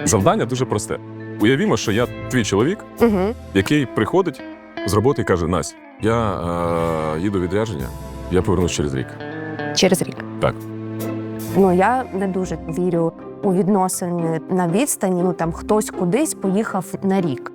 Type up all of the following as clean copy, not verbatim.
Завдання дуже просте. Уявімо, що я твій чоловік, який приходить з роботи і каже: Настя, я їду у відрядження, я повернусь через рік. Через рік. Так. Ну, я не дуже вірю у відносини на відстані. Ну, там хтось кудись поїхав на рік.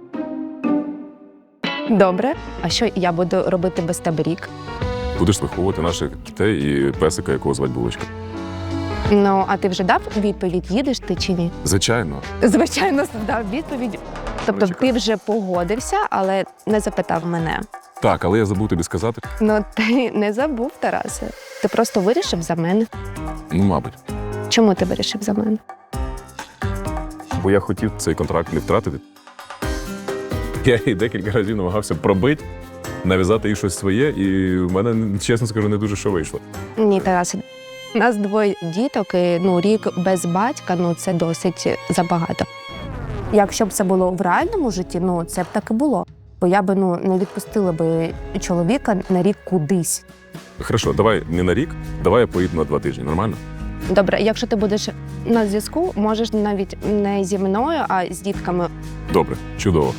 Добре. А що я буду робити без тебе рік? Будеш виховувати наших дітей і песика, якого звати Булочка. Ну, а ти вже дав відповідь, їдеш ти чи ні? Звичайно. Звичайно, дав відповідь. Тобто ти вже погодився, але не запитав мене. Так, але я забув тобі сказати. Ну, ти не забув, Тарасе. Ти просто вирішив за мене. Ну, мабуть. Чому ти вирішив за мене? Бо я хотів цей контракт не втратити. Я її декілька разів намагався пробити, нав'язати їй щось своє, і в мене, чесно скажу, не дуже що вийшло. Ні, Тарасе. У нас двоє діток, і рік без батька, це досить забагато. Якщо б це було в реальному житті, це б так і було. Бо я б не відпустила би чоловіка на рік кудись. Хорошо, давай не на рік, давай я поїду на 2 тижні, нормально? Добре, якщо ти будеш на зв'язку, можеш навіть не зі мною, а з дітками. Добре, чудово.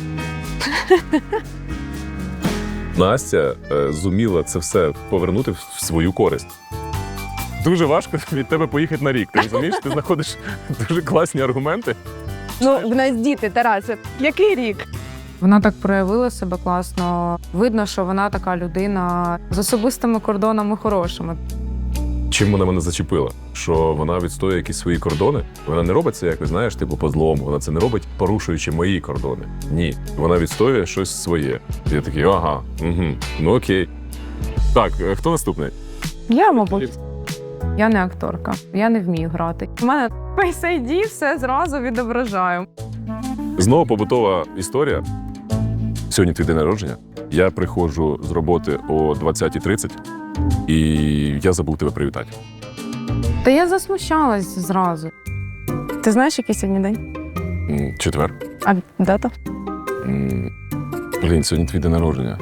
Настя зуміла це все повернути в свою користь. Дуже важко від тебе поїхати на рік, ти розумієш? Ти знаходиш дуже класні аргументи. В нас діти, Тарасе. Який рік? Вона так проявила себе класно. Видно, що вона така людина з особистими кордонами хорошими. Чим вона мене зачепила? Що вона відстоює якісь свої кордони? Вона не робить це якось, знаєш, по злому. Вона це не робить, порушуючи мої кордони. Ні. Вона відстоює щось своє. Я такий, ага, ну окей. Так, хто наступний? Я, мабуть. Я не акторка, я не вмію грати. У мене Face ID все зразу відображаю. Знову побутова історія. Сьогодні твій день народження. Я приходжу з роботи о 20:30, і я забув тебе привітати. Та я засмущалась зразу. Ти знаєш, який сьогодні день? Четвер. А дата? Блін, сьогодні твій день народження.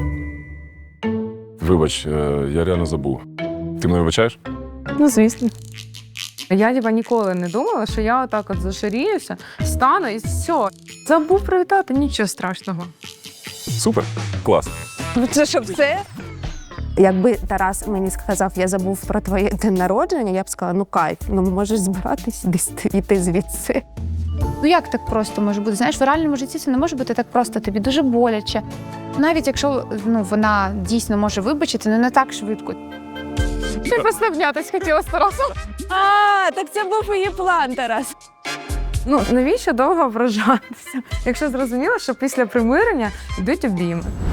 Вибач, я реально забув. Ти мене вибачаєш? Ну, звісно. Я ніколи не думала, що я отак от зашаріюся, стану і все. Забув привітати, нічого страшного. Супер, клас. Це що все? Якби Тарас мені сказав, я забув про твоє день народження, я б сказала, кайф, можеш збиратись десь йти звідси. Ну як так просто може бути? Знаєш, в реальному житті це не може бути так просто, тобі дуже боляче. Навіть якщо вона дійсно може вибачити, не так швидко. Ти просто обнятись хотіла з Тарасом. Так це був її план, Тарас. Навіщо довго ображатися, якщо зрозуміло, що після примирення йдуть обійми?